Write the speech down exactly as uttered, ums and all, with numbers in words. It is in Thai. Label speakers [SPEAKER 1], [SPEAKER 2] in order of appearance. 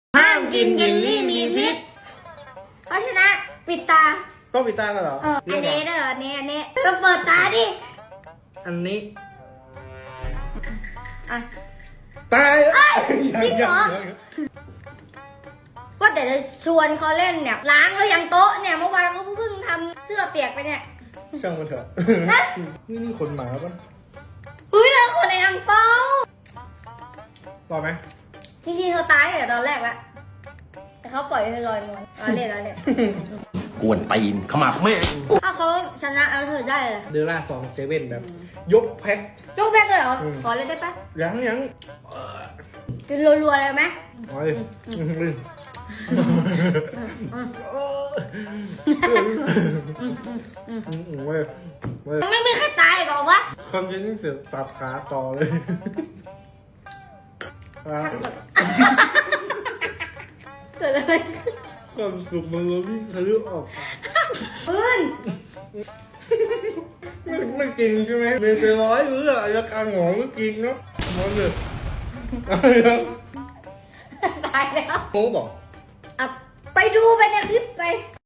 [SPEAKER 1] ห้ามกินเยลลี่มีพิษเพราะฉะนั้นปิดตา
[SPEAKER 2] ต้องปิดตากันเหรอ
[SPEAKER 1] เอออันนี้เด้ออันนี้อันนี้ก็เปิดตาดิ
[SPEAKER 2] อันนี้
[SPEAKER 1] อ่ะ
[SPEAKER 2] ตาย
[SPEAKER 1] จริงเหรอว่าแต่จะชวนเขาเล่นเนี่ยล้างแล้วยังโต๊ะเนี่ยเมื่อวานเขาเพิ่งทำเสื้อเปียกไปเนี่ย
[SPEAKER 2] ช่างมันเถอะนี่นี่คนหมาปะ
[SPEAKER 1] อุ้ยเราคนในอังเปา
[SPEAKER 2] ต่อไหม
[SPEAKER 1] พี่ทีเขาตายแต่ตอนแรกละแต่เขาปล่อยให้ลอยนวลอ๋อเล่นแล้วเล่น
[SPEAKER 3] กวนตีนขมับแม่
[SPEAKER 1] ถ้าเขาชนะเอาเธอได้เลย
[SPEAKER 2] เดอร่าสองเซเว่นแบบยกแพ็ค
[SPEAKER 1] ยกแพ็คเลยเหรอขอเล่นได้ปะ
[SPEAKER 2] ยังยัง
[SPEAKER 1] กินรัวๆเลยไหม
[SPEAKER 2] โอ้ย
[SPEAKER 1] ไม่มีใครตายก่อนวะ
[SPEAKER 2] คำยังเสียสับขาต่อเลย
[SPEAKER 1] เกิดอะไร
[SPEAKER 2] ความสุขมันล้นทะลุออก
[SPEAKER 1] ปืน
[SPEAKER 2] ไม่ไม่จริงใช่ไหมเมนเจร้อยหรืออะไรการหงอไม่จริงเนาะมันเลย
[SPEAKER 1] ตายแล้ว
[SPEAKER 2] โอ้บอก
[SPEAKER 1] ไปดูไปในคลิปไป